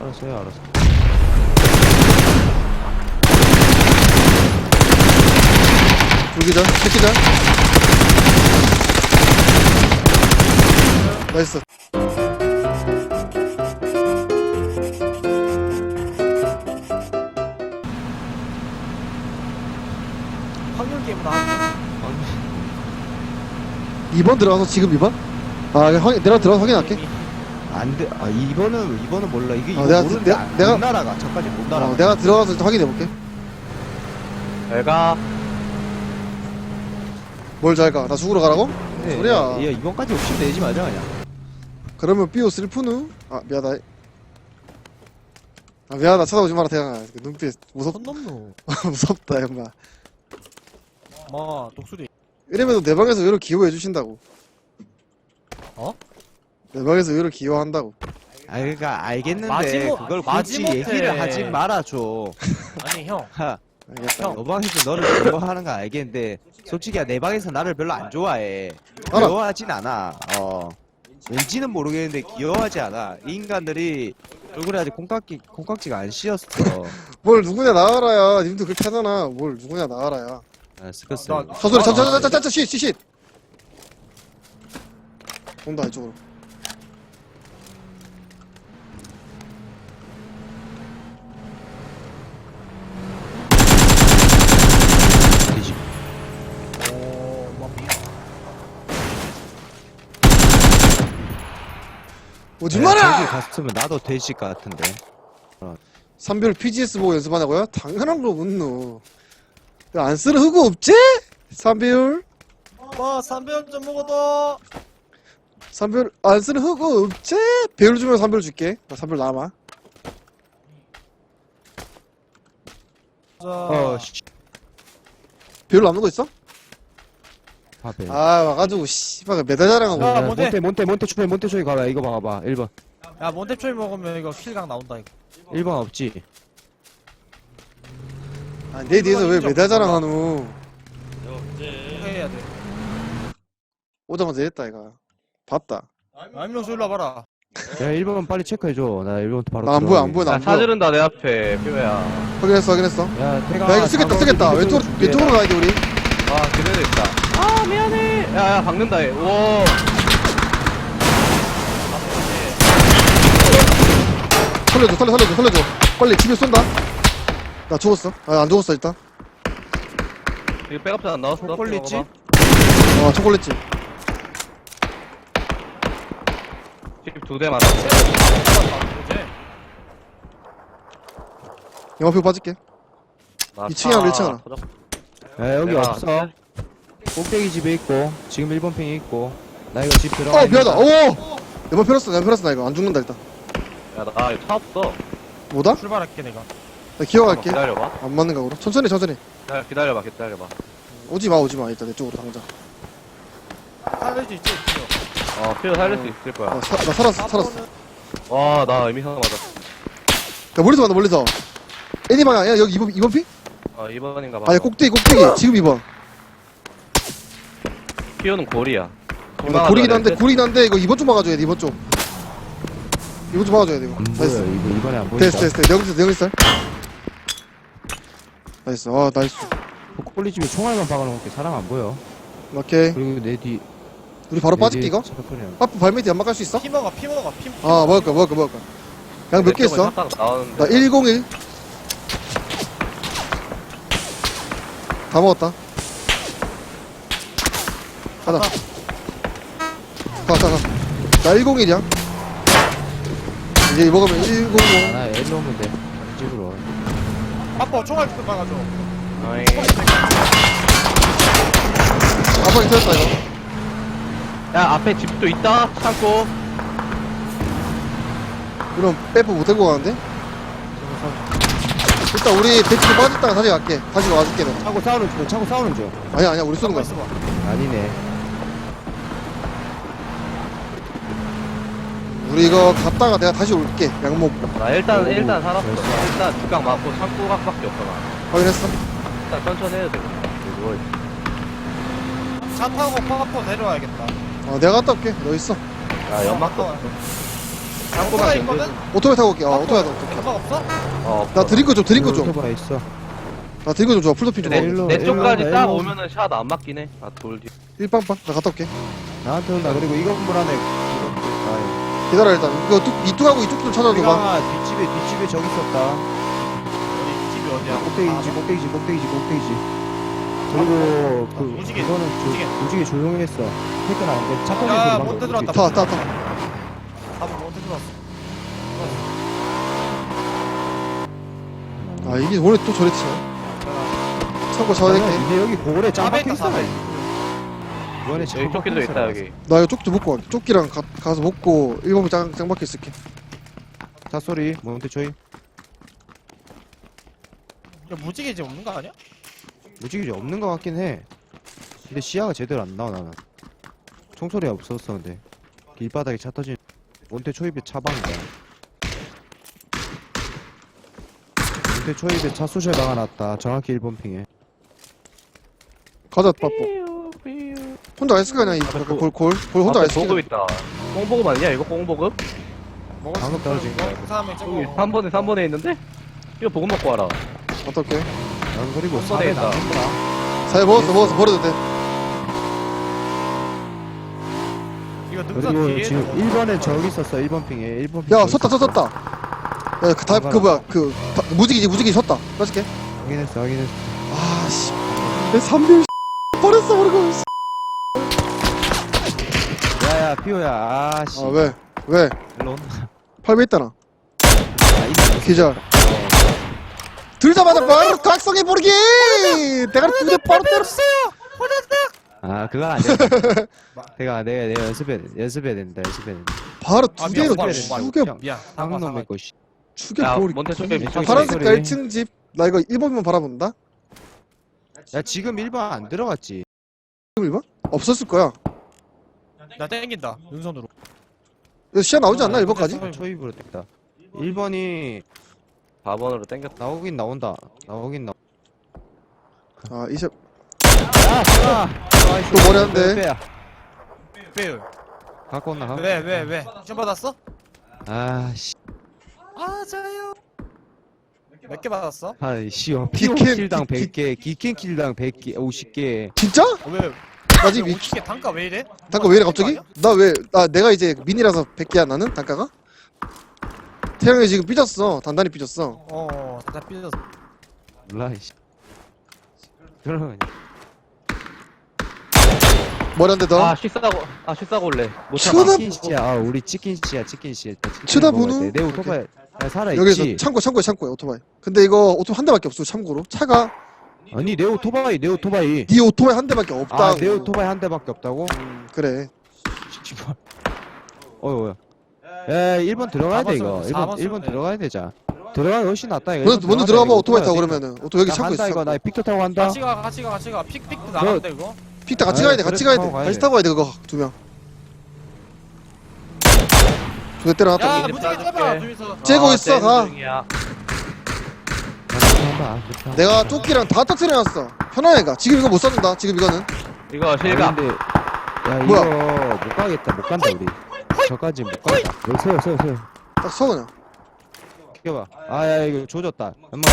알았어요, 알았어. 둘기절, 새끼절. 나이스. 확률 게임으로 하네. 2번 들어가서 지금 2번? 아, 내가 들어가서 확인할게. 안 돼. 아, 이번은 몰라. 이게 이거 내가- 모르는데 내가- 못 날아가. 저까지 못 날아가. 내가 들어가서 일단 확인해볼게. 잘가. 뭘 잘 가? 나 죽으러 가라고? 네, 소리야. 야, 이번까지 욕심 내지 말자 그냥. 그러면 삐오 슬프누? 아, 미안하다. 아, 미안하다. 쳐다보지 마라, 태양아. 눈빛 손 넘노. 무섭다, 형아. 독수리. 이러면 내 방에서 의외로 기여해주신다고. 어? 내 방에서 의외로 기여한다고. 아, 그러니까 알겠는데 마지못- 그걸 굳이 마지못해. 얘기를 하지 말아줘. 아니 형. 하, 알겠다. 너 방에서 너를 좋아하는 거 알겠는데 솔직히 내 방에서 나를 별로 안 좋아해. 알아. 귀여워하진 않아. 왠지는 모르겠는데 귀여워하지 않아. 이 인간들이 얼굴에 아직 콩깍지가 안 씌었어. 뭘 누구냐 나와라야. 님도 그렇게 하잖아. 뭘 누구냐 나와라야. 아, 스커스. 서소리, 자자자자자, 쉿. 온다, 이쪽으로. 오지 저기 마라! 갔으면 나도 돼지 같은데. 삼별 PGS 보고 연습하냐고요? 당연한 거 묻노. 안 쓰는 흑우 없지? 삼별? 삼별 좀 먹어도. 삼별 안 쓰는 흑우 없지? 배율 주면 삼별 줄게. 나 삼별 남아. 자. 배율 남는 거 있어? 밥에. 아, 와가지고 씨발 메달 자랑하고. 야, 뭔데? 몬테 초이 가봐. 이거 봐봐. 1번. 야 몬테초이 먹으면 이거 킬각 나온다 이거. 1번 없지. 아, 내 뒤에서 왜 메달 자랑하노? 해야 돼. 오자마자 이랬다 이가. 봤다. 안명수 일로 와봐라. 야, 1번 빨리 체크해줘. 나 1번부터 바로. 나 안 보여, 안 보여, 나 야, 안 보여. 사지른다, 내 앞에. 뼈야. 확인했어. 야, 태가. 야, 이거 쓰겠다. 왼쪽으로 가야 돼, 우리. 아, 그대로 있다. 아, 미안해. 야, 박는다, 얘. 오. 살려줘. 빨리 집에 쏜다. 나 죽었어. 아, 안 죽었어, 일단. 이거 백업도 안 나왔어? 초콜릿집? 초콜릿집. 집2대 맞았어. 영화표 빠질게. 2층이야, 1층 하나. 야, 여기 내가- 없어. 꼭대기 집에 있고, 지금 1번 핑에 있고. 나 이거 집 들어가. 미안하다. 오! 내번 펴렸어, 나 이거. 안 죽는다, 일단. 야, 나 이거 차 없어. 뭐다? 출발할게 내가. 나 기어갈게. 기다려봐. 안 맞는 각으로. 천천히. 기다려봐. 오지 마. 일단 내 쪽으로 당장. 살릴 수 있지. 필요 살릴 수 있을 거야. 나 살았어. 와, 나 의미상을 맞았어. 야, 멀리서. 애니 방향. 야, 여기 2번 피? 2번인가 봐. 아니, 꼭대기. 지금 2번. 피오는 골이야. 나 구리긴 한데, 이거 2번 좀 막아줘야 돼, 2번 좀. 2번 좀 막아줘야 돼, 이거. 안 보여. 나이스. 이거 이번에 안 보인다. 됐어. 내용리살. 나이스. 나이스. 꼴리 집에 총알만 박아놓을게. 사람 안 보여. 오케이. 그리고 내 뒤. 우리 바로 빠질게, 이거? 빠프 발밑에 연막 갈 수 있어? 피 먹어. 먹을 거야. 양 몇 개 있어? 나 101. 다 먹었다. 가자. 가. 나 101이야. 이제 먹으면 100. 나 일로 오면 돼. 집으로. 아빠 총알 좀 막아줘. 아빠 인터했다, 이거. 야, 앞에 집도 있다. 창고. 이런 빼프 못 들고 가는데? 일단 우리 배치로 빠졌다가 다시 갈게. 다시 와줄게, 내가. 차고 싸우는 중. 아니야, 우리 쏘는 거야. 있어봐. 아니네. 우리 이거 갔다가 내가 다시 올게. 양목. 나 일단 오, 살았어. 벌써. 일단 두각 맞고 창고 각밖에 없어, 나. 확인했어? 일단 천천히 해야 돼. 누워 있어. 차 타고 파파포 내려와야겠다. 내가 갔다 올게. 너 있어. 야, 연막도 아, 없어. 오토바이 있거든? 오토바이 타고 올게. 오토바이 타고 올게. 연막 없어? 나 드링크 좀, 드링크 좀. 오토바이 있어. 나 드링크 좀 줘. 풀도핀 좀. 네. 먹어. 일로, 내 쪽까지 일로, 딱 일로. 오면은 샷 안 맞긴 해. 아, 돌 뒤. 일빵빵. 나 갔다 올게. 나한테 온다. 그리고 이거 건물 안에 아, 기다려, 일단. 이거 이쪽하고 이쪽 좀 찾아줘봐. 우리가 뒷집에 저기 있었다. 어디 집이 어디야? 꼭대기지. 그리고 그 무지개, 그거는 무지개. 무지개 조용했어. 퇴근 안 돼. 차 터지고 야, 들어간 몬테 거 들어왔다. 무지개. 타. 밥은 언제 들어왔어? 아, 이게 오늘 또 저랬지. 참고 잡아야 될게. 이제 여기 고래 짱 사배 박혀 있다, 있어. 사배. 이번에 여기 조끼도 있다, 여기. 나 이거 쪽지 먹고 갈게. 쪽지랑 가서 먹고 1번 짱 박혀 있을게. 차 소리. 몬테 조이. 야, 무지개 집 없는 거 아니야? 무지개 없는 것 같긴 해. 근데 시야가 제대로 안 나와 나는. 총소리가 없었어 근데. 길바닥에 차 터진. 몬테 초입에 차방이다. 몬테 초입에 차 수실 박아놨다. 정확히 1번 핑에. 가자, 빠뽀. 혼자 안 쓸 거 아니야, 이 골 혼자 안 앞에 보급 쓸게. 있다. 꽁보급 아니냐, 이거 꽁보급? 먹을 수 방금 있는 떨어진 거? 거야, 그 사람이 여기 저거 3번에 있는데? 이거 보급 먹고 와라. 갔다 올게. 난 그리고 한 번에 사배 있다. 남는다. 사회 먹었어. 버려도 돼. 이거 능선 그리고 뒤에 지금 1번에 저기 있었어. 1번 핑에. 1번 핑. 야, 저기 섰다. 있었어. 야, 그 뭐야, 무지개 섰다. 뺏을게. 확인했어. 아, 씨. 내 3bil 버렸어, 버리고. 야야 피오야. 아씨. 아, 왜? 일로 온다. 8배 있다나. 아, 이거 기절. 들자마자 바로 각성해 버리기! 내가 두대 바로 때렸어! 아 그건 안 돼. 내가 연습해야 된다. 바로 아, 두 개로 미안, 죽여, 미안. 방놈의 것이. 죽여 버리. 먼저 쪽에 밑쪽에 파란색 소리. 1층 집. 나 이거 1번만 바라본다? 야 지금 1번 안 들어갔지. 지금 1번? 없었을 거야. 나 땡긴다. 능선으로. 이거 시야 나오지 않나, 1번까지? 초입으로 됐다. 1번이 4번으로 땡겼다. 나온다. 아, 이제 야, 좋아. 또 머리 한 대. 빼야. 빼요. 갖고 온나? 왜? 시험 받았어? 아씨. 아, 저요. 몇 개 받았어? 아이씨. 기캔, 킬당 100개, 기캔 킬당 100개, 50개. 진짜? 왜? 나 지금 이- 50개 단가 왜 이래? 단가 왜 이래 갑자기? 내가 이제 미니라서 100개야 나는 단가가? 태양이 지금 삐졌어. 단단히 삐졌어. 다 삐졌어. 몰라 이씨. 그러면 머리 한 대 더. 식사고 올래. 못 쳐다- 참아. 치킨 씨야. 우리 치킨 씨야. 쳐다보는? 내 오토바이 살아 여기서 있지. 창고에 오토바이. 근데 이거 오토바이 한 대밖에 없어. 참고로 차가 아니 내 오토바이. 네 오토바이 한 대밖에 없다고. 아, 내 오토바이 한 대밖에 없다고? 그래. 씨발. 어휴. 야, 1번 들어가야 돼 이거. 4번 1번 쓰면 돼. 들어가야 되자. 들어가야 훨씬 낫다 이거. 먼저 들어가봐. 오토바이 타고 그러면은. 여기 나 창고 간다 있어. 이거. 나 픽터 타고 간다. 같이 가. 픽도 나간다 이거. 픽다 같이 아, 가야 돼. 같이 가야 돼. 타고 가야 같이 돼. 타고 가야 돼 그거 두 명. 두대 때려놨다. 야, 이제 무지개 따줄게. 째봐. 둘이서. 째고 있어, 가. 중이야. 내가 조끼랑 다 터트려놨어. 편하게 가. 지금 이거 못 쐈는다. 지금 이거는. 이거 실각. 근데 야 이거 뭐야? 못 가겠다. 못 간다 우리. 저까지 못 가겠다. 여기 세요. 딱 서 그냥. 켜봐. 아야 이거 조졌다. 연막.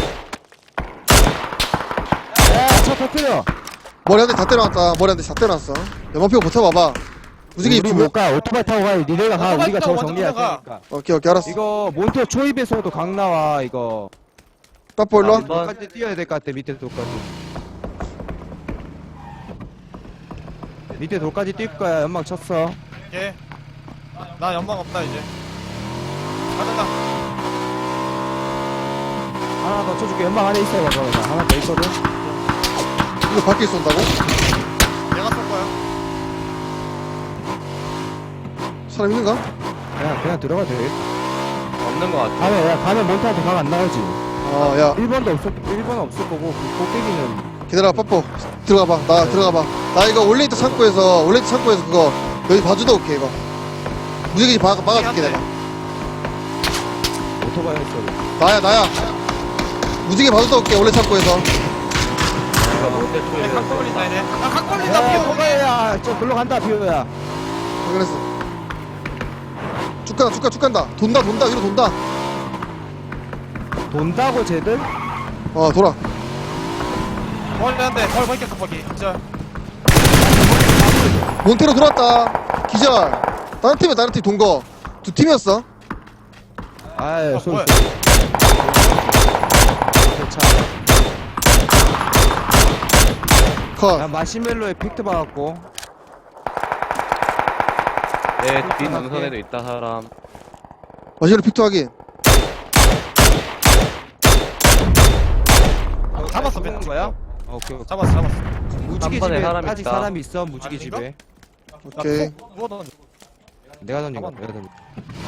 야차 터뜨려. 머리 한 대 다 때려놨다. 머리 한 대 다 때려놨어. 연막 피고 버텨봐봐. 무지개 우리 입히면. 못 가. 오토바이 타고 가. 니네가 가. 오토바이 우리가 타고 저거 먼저 정리할 들어가. 테니까. 오케이 알았어. 이거 몬테 초입에서도 강 나와 이거. 빠뽀 일로 와. 아, 돌까지 뛰어야 될 것 같아. 밑에 돌까지. 밑에 돌까지 뛸 거야. 연막 쳤어. 오케이. 나 연막 없다 이제. 가자. 하나 더 쳐줄게. 연막 안에 있어. 봐봐. 하나 더 있거든. 이거 밖에 쏜다고? 내가 쏠 거야. 사람 있는가? 그냥 들어가도 되겠다. 없는 거 같아. 가면 몬테한테 강 안 나오지. 아, 야. 1번도 없을 거고, 그 꼭대기는. 기다려, 빠뽀. 들어가봐. 나 들어가봐. 나 이거 올레이트 창고에서 그거 여기 봐주다 올게, 이거. 무지개 막아줄게, 내가. 오토바이 소리. 나야. 무지개 봐주다 올게, 올레 창고에서. 이거 못해 각 초이래. 걸린다 이제. 각 걸린다 야, 피오. 오토바이야. 저 글로 간다, 비오야. 확인했어. 쭉 쭉 간다. 돈다, 위로 돈다. 돈다고 쟤들? 돌아. 멀리 한대 덜 벗겼어 거기 진짜. 몬테로 들어왔다. 기절. 다른 팀 동거. 두 팀이었어. 아유 소리 뭐야? 컷. 야 마시멜로에 픽트 받았고 내뒷 능선에도 있다 사람. 마시로 픽트 확인. 잡았어 쏘는 벤 거야? 오케이 오케이. 잡았어. 무지개 한 번에 집에 사람 아직 있다. 사람이 있어 무지개 아닌가? 집에 오케이. 누가 던져? 내가 던진 거 잡았네. 내가 던진 거.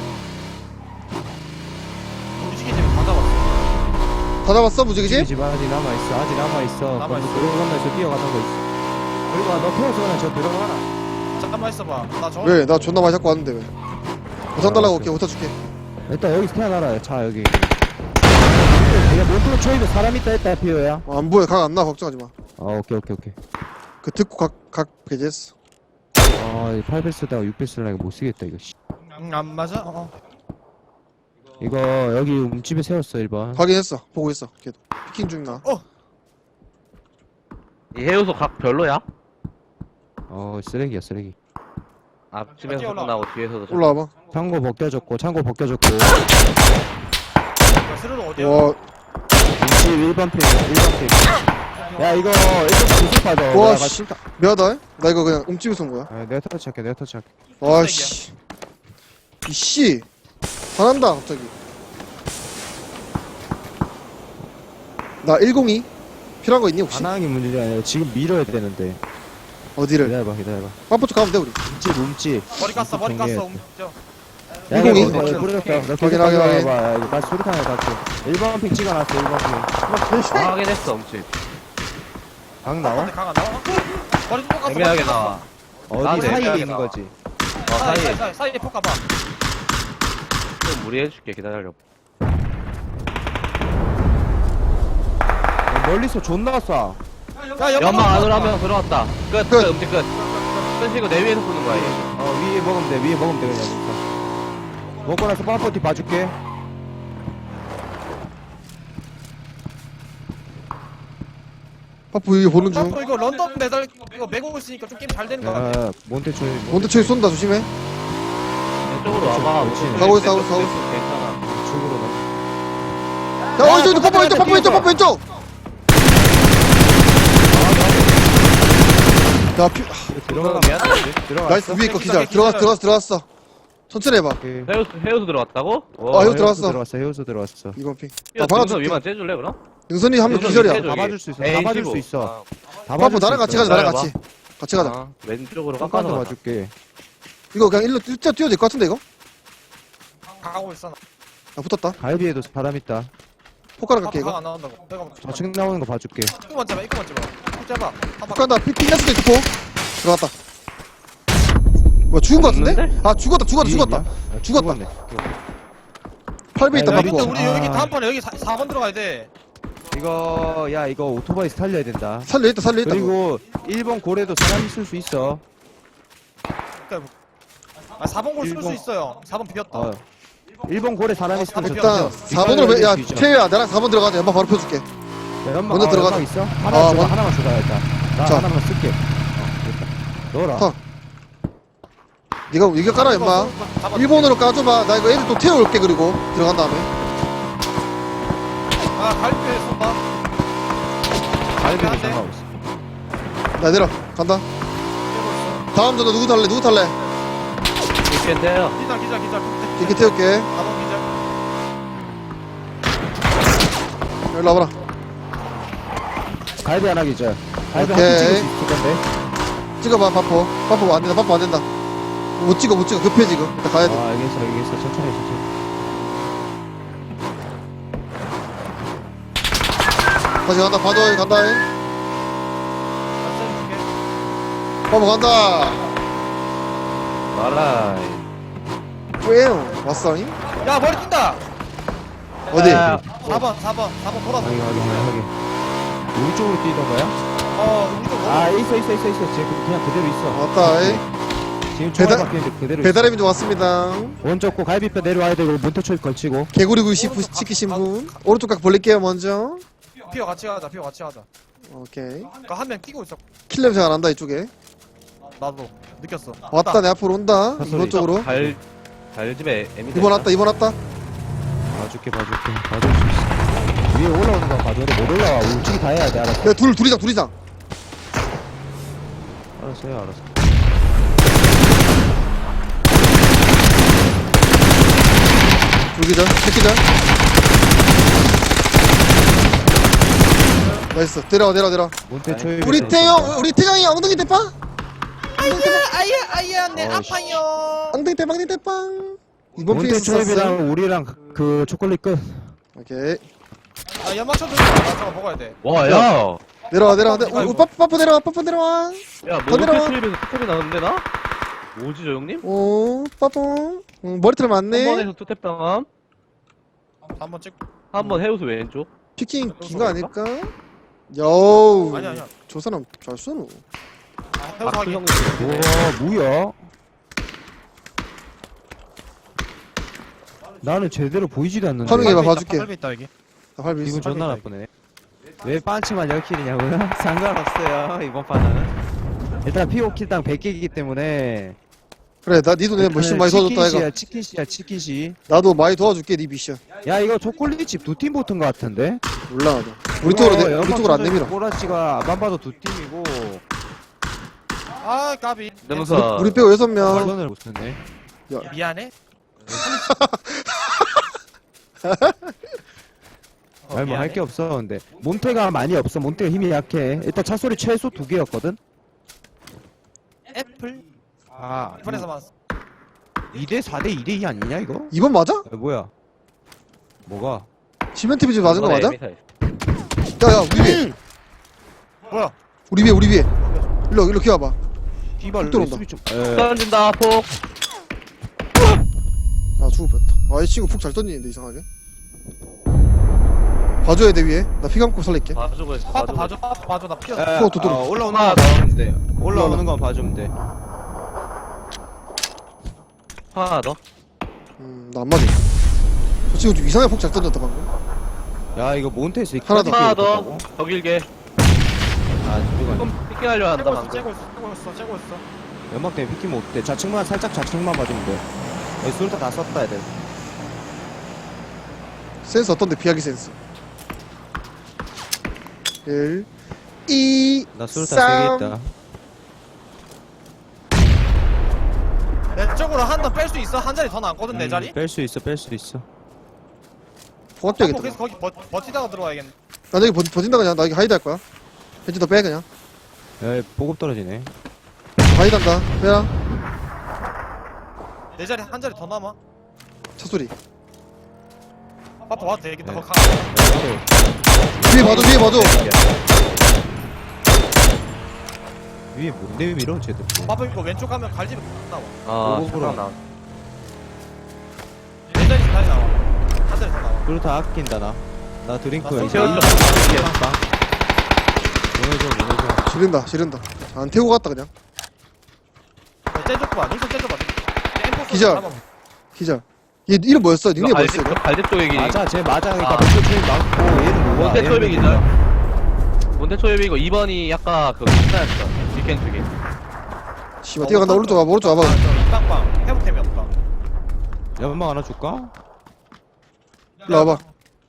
무지개 집에 다 잡았어. 다 잡았어, 무지개지? 집 아직 남아있어 아직 남아있어 남아있어. 들어간다에서 뛰어가는 거 있어 그리고 너 태워서 그냥 저 들어가라 잠깐만 있어봐. 나 저거 왜? 나 존나 많이 잡고 왔는데 왜? 보상 달라고 올게, 보상 줄게. 일단 여기서 태어나라 자 여기 내가 몬트로 초입에 사람 있다 했다 피오야 안 보여, 각 안 나, 걱정하지 마. 오케이 그 듣고 각 배제했어. 아 8배 쓰다가 6배 쓰려니까 못 쓰겠다 이거 씨. 안 맞아? 이거 여기 움집에 세웠어 1번 확인했어, 보고 있어. 걔도. 피킹 중이나. 이 해우소 각 별로야? 쓰레기야 쓰레기 앞집에서 올라와. 나고 뒤에서도 좀- 올라와봐. 창고 벗겨졌고 스르르 어디야? 와, 움집 1번 핑야 이거 1번 구속 받아 와, 내가 씨. 실다 미안하다. 나 이거 그냥 움집에서 온 거야. 내가 터치할게 와, 씨. 이씨. 화난다, 갑자기. 나 102? 필요한 거 있니, 혹시? 반항이 문제가 아니라 지금 밀어야 되는데 어디를? 기다려봐 빠뽀쪽 가면 돼, 우리. 움집 머리 깠어 머리 정리해. 깠어. 움직여. 야, 이공이? 이거 뿌렸다. 너 계속 확인. 가져와봐. 야, 이거 나 소리탄에 닿게. 1번 핑 찍어놨어, 1번 핑. 아, 확인했어 엄치. 방 나와? 강안 나와? 머리 좀 깠어. 애매하게 나와. 어디 나도 사이에 애매하게 있는 나와. 거지. 사이에 폭 가봐. 좀 무리해줄게 기다려. 멀리서 존나 쏴. 야 연막 안으로 한 명 들어왔다. 끝. 끝. 음식 끝. 끝이고 내 위에서 쏘는 거야 얘. 위에 먹으면 돼, 그냥. 먹고 나서 빠뽀티 봐줄게. 빠뽀 이게 보는 중. 이거 런던 메달 이거 메고 있으니까 좀 게임 잘 되는 거 같아. 야, 몬테초이. 몬테초이 쏜다, 조심해. 이쪽으로 와봐. 그렇지. 가고 있어. 괜찮아. 쪽으로 나. 야, 어디, 빠뽀 왼쪽! 야, 들어가. 들어가. 나이스, 위에 거 기절. 들어갔어. 천천히 해봐. 해우수 들어왔다고? 이거 들어왔어. 헤어서 들어왔어. 이번 핑. 야, 박아줄게. 위만 째줄래 그럼? 능선이 한 명 능선 기절이야. 밑에 다 저기. 봐줄 수 있어. 에이, 다 봐줄 15. 수 있어. 아, 다 빠뽀 봐줄 나랑 수 같이 있어. 가자, 나랑 기다려봐. 같이 가자. 아, 왼쪽으로 똑같이 깎아서 봐줄게. 이거 그냥 일로 뛰어도 될 것 같은데, 이거? 가고 있어. 아, 붙었다. 갈비에도 사람 있다. 포카랑 갈게, 이거. 안 나온다고. 내가 좌측 나오는 거 봐줄게. 입구만 잡아. 입 잡아. 포카한다. 핑났을 때 있고. 들어갔다. 뭐, 죽은 것 같은데? 없는데? 아, 죽었다. 죽었다. 죽었네. 8배 있다, 야, 빠뽀. 우리 여기 아. 다음번에 여기 4번 들어가야 돼. 이거 오토바이 살려야 된다. 살려있다. 그리고 1번 고래도 사람 있을 수 있어. 4번 골 쓸 수 일본. 있어요. 4번 비겼다. 1번 고래 사람 있으면 일단, 저 4번으로, 야, 뒤져. 태우야, 나랑 4번 들어가자. 연막 바로 펴줄게. 야, 연막, 먼저 들어가자. 연막 있어? 아, 하나만 줘라 일단. 나 자. 하나만 쓸게. 됐다. 넣어라. 타. 이거 깔아, 임마. 1번으로 까줘봐. 나 이거 애들 또 태워올게, 그리고. 들어간 다음에. 갈비에 쏜다. 갈비도 안 돼. 상관없어. 나 내려. 간다. 다음 전화 누구 탈래? 있겠네요. 기절. 이렇게 태울게. 4번 기절. 일로 와봐라. 갈비 하나 기절. 갈비 오케이. 한개 찍을 수 있을 건데. 찍어봐, 바포. 바포 안 된다. 못 찍어. 급해, 지금. 일단 가야 돼. 알겠어. 천천히. 다시 간다. 바도에 간다. 바보 간다. 말라. 뿌에요. 왔어잉? 야 머리 뛴다. 어디? 야, 4번 돌아서. 확인. 우리 쪽으로 뛰던 거야? 우리도 아, 있어. 쟤 그냥 그대로 있어. 왔다, 이. 지금 배달- 총알 바뀌는데 그대로 배달의민도 왔습니다. 있어. 오른쪽 고 갈비뼈 내려와야 되고 몬테 초입 걸치고. 개구리 굴씨 시키신 분. 오른쪽 각 벌릴게요 먼저. 피어 같이 가자. 피어 같이 가자. 오케이. 그니까 한 명 뛰고 있어. 킬 냄새가 난다 이쪽에. 나도 느꼈어. 왔다 내 앞으로 온다. 헛소리. 이번 쪽으로. 갈집에 에미. 이번 왔다 이번 왔다. 봐줄 수 있어. 위에 올라오는 거 봐줘. 근데 못 올라와. 우측이 다 해야 돼. 알았어. 야 둘이장. 알았어요. 알았어. 둘기절 새끼절. 나이스. 내려와. 몬테 초입. 우리 태경이 엉덩이 대빵. 아예 내 어이씨. 아파요. 엉덩이 대빵. 이번 몬테 피스 쐈어. 초입이랑 우리랑 그 초콜릿 끝. 오케이. 아 연막 쳐도 나 저거 먹어야 돼. 와, 야. 내려와. 빠빠 내려와. 야, 더 내려와. 몬테초입에서 투탭이 나왔는데 나? 뭐지 저 형님? 오 빠빠. 머리털 한 많네. 번에서 투탭 당함. 한번 찍. 한번 해우수 왼쪽. 피킹 긴 거 아닐까? 여우. 아니야. 저 사람 잘 쏘노. 아, 해서 박수 하기. 형. 와 뭐야? 나는 제대로 보이지도 않는데. 화면에 봐, 봐줄게. 팔배 있다 여기. 나 활비 있어. 기분 존나 나쁘네. 왜 반치만 10킬이냐고요? 상관없어요 이번 판은. 일단 피오킬당 100개이기 때문에. 그래 나 니도 내 머신 많이 도와줬다 이가. 치킨시야. 나도 많이 도와줄게 니 미션. 야 이거 초콜릿집 두 팀 붙은 거 같은데? 몰라 나도. 우리 쪽으로 안 내밀어. 꼬라치가 안 봐도 두 팀이고. 아 까비. 능사. 우리 빼고 6명. 선을 못 쓰네. 미안해. 말 뭐 할 게 없어 근데 몬테가 많이 없어. 몬테가 힘이 약해. 일단 차 소리 최소 2개였거든. 애플. 아 애플에서 만 2대 4대 2대 2 아니냐 이거? 2번 맞아? 뭐야? 뭐가? 시멘트 비즈 맞은 거 맞아? 에미 사이즈. 야야 우리 위에. 뭐야? 우리 위에. 일로 기어봐. 뒤발 훅 들어온다. 수비 좀. 던진다 폭. 아 죽을 뻔했다. 아 이 친구 푹 잘 던지는데 이상하게. 봐줘야 돼 위에. 나 피 감고 살릴게. 봐주고 있어. 파파 봐줘. 나 피어. 또 들어. 올라오는 거 봐주면 돼. 올라오는 건 봐주면 돼. 하나 더. 나 안 맞아. 저 친구 좀 이상하게 푹 잘 던졌다 방금. 야 이거 몬테에서 하나 더. 하나 더. 더 길게. 아 누가 조금 삐끼 하려 한다 방금. 째고 있어. 연막 때문에 피키 못돼. 좌측만 살짝 좌측만 봐주면 돼. 여기 술다 다 썼다 애들. 센스 어떤데 피하기 센스. 1 2 나 술다 3개 있다. 내 쪽으로 한 번 뺄 수 있어? 한 자리 더 남거든 내 자리? 뺄 수 있어. 포갑되겠다. 그래서 거기 버티다가 들어와야겠네. 나 여기 버틴다 그냥. 나 여기 하이드 할 거야. 벤치 더 빼 그냥. 야 보급 떨어지네. 하이드 한다. 빼라. 내 자리 한 자리 더 남아. 차 소리. 파파 와도 되겠다. 네. 거기 가. 위에 봐줘. 위에 뭔데 밀어 쟤들. 파파 이거 왼쪽 가면 갈집에 나와. 아, 오버로. 잠깐 나. 내 자리 다시 나와. 한 자리 더 나와. 술다 아낀다 나. 나 드링크 나 여기. 쏠 빵빵. 보내줘. 지른다. 안 태우고 갔다 그냥. 째줘봐. 눈썹 째줘봐. 기절. 기절. 얘 이름 뭐였어? 닉네임 뭐였어 이거? 갈집 쪽의 길이. 맞아 쟤 맞아. 그러니까 아. 몬테 초입 맞고 얘는 뭐야? 몬테 얘는 초입의 기절. 몬테 초입이고 2번이 약간 그 비슷했어. 위켄 쪽에. 씨발 뛰어간다. 오른쪽 와봐. 빵빵. 회복템이 없다. 연막 하나 줄까? 일로 와봐.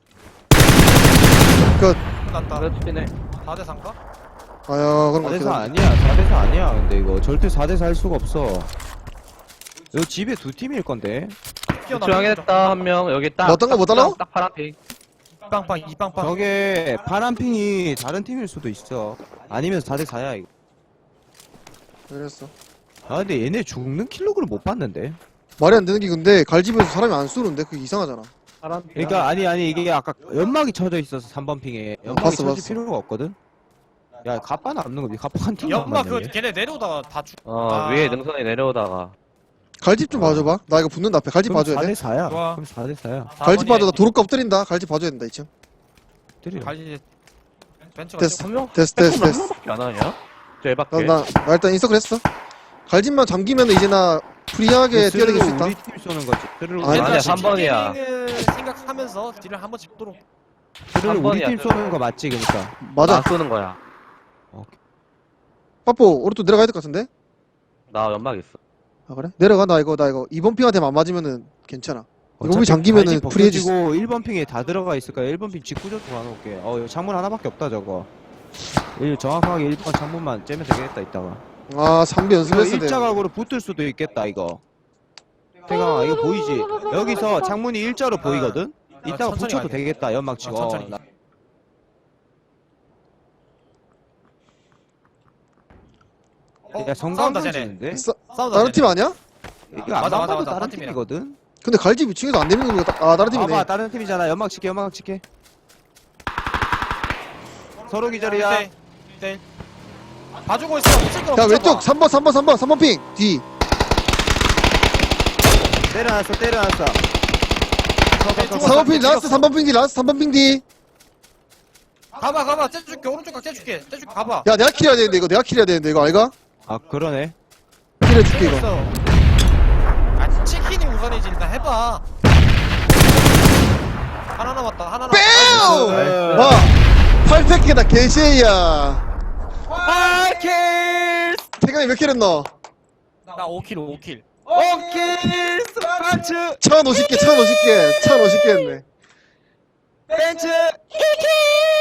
끝. 끝났다. 그렇긴 해. 4대 3가? 아야 그런 거 4대4 같긴 한데. 아니야. 4대4 아니야. 근데 이거 절대 4대4 할 수가 없어. 여기 집에 두 팀일 건데. 조용했다 한 명. 여기 딱. 뭐 어떤 거, 뭐 달라? 딱 파란 핑. 빵빵 이빵빵. 저게 파란 핑이 다른 팀일 수도 있어. 아니면 4대4야 이거. 그랬어. 아 근데 얘네 죽는 킬로그를 못 봤는데. 말이 안 되는 게 근데 갈집에서 사람이 안 쏘는데 그게 이상하잖아. 파란 핑. 그러니까 아니 이게 아까 연막이 쳐져 있어서 3번 핑에 연막이 봤어, 쳐질 봤어. 필요가 없거든. 야 갑바 남는 거지. 갑바 한 팀. 연막 그 걔네 내려오다가 다 죽. 위에 능선에 내려오다가. 갈집 좀 봐줘봐. 나 이거 붙는다 앞에. 갈집 봐줘야 돼. 4대4야. 좋아. 그럼 4대4야. 갈집 봐줘. 나 도로값 엎드린다. 갈집 봐줘야 된다 2층. 때려. 갈지 벤츠가 됐어. 한 명? 됐어. 밖에 안 하냐? 저 밖에. 나 일단 인서클 했어. 갈집만 잠기면 이제 나 프리하게 뛰어다닐 수 있다. 우리 팀 쏘는 거지. 스르르 아니, 아니야, 3번이야. 생각하면서 딜을 한번 집도록. 스르르 우리 3번이야, 팀 쏘는 거 맞지 그러니까. 맞아. 나 쏘는 거야. 빠뽀 오른쪽 내려가야 될 것 같은데? 나 연막 있어. 아 그래? 내려가. 나 이거 2번 핑한테만 안 맞으면은 괜찮아. 이거 우리 어차피 잠기면은 갈집 프리해지. 벗겨지고 1번 핑에 다 들어가 있을 거야. 1번 핑 직구조도 가놓을게. 이거 창문 하나밖에 없다 저거. 정확하게 1번 창문만 째면 되겠다 이따가. 아 3비 연습했어야 돼. 일자각으로 붙을 수도 있겠다 이거. 태강아 이거 보이지? 여기서 창문이 일자로 보이거든? 이따가 천천히 붙여도 가야겠다. 되겠다 연막 치고. 천천히. 야 성광 싸운다, 쟤네. 던지는데? 싸운다. 다른 팀 아니야? 이거 맞아, 안 맞아, 봐도 맞아. 다른 딴 팀이야. 팀이거든? 근데 갈집 2층에서 안 내리는 거 아 다른 팀이네. 봐봐 다른 팀이잖아 연막 칠게 연막 칠게 서로 기절이야 네. 봐주고 있어. 붙일 거 자 붙여봐. 왼쪽 3번 핑 뒤. 때려놨어 때려놨어 죽었어. 4번 핑 죽었어. 라스트 3번 핑 뒤 라스트 3번 핑 뒤. 가봐. 째줄게. 오른쪽 각 째줄게. 가봐. 야 내가 킬해야 되는데 이거 내가 킬해야 되는데 이거 알가? 아 그러네 킬해줄게 이거. 째줬어. 아 치킨이 우선이지. 일단 해봐. 하나 남았다. 빼요! 네. 와 800개다 개쉐이야. 아킬 태강이 몇 킬 했노? 나 5킬. 오킬 스파츠 1050개 했네. 벤츠 2킬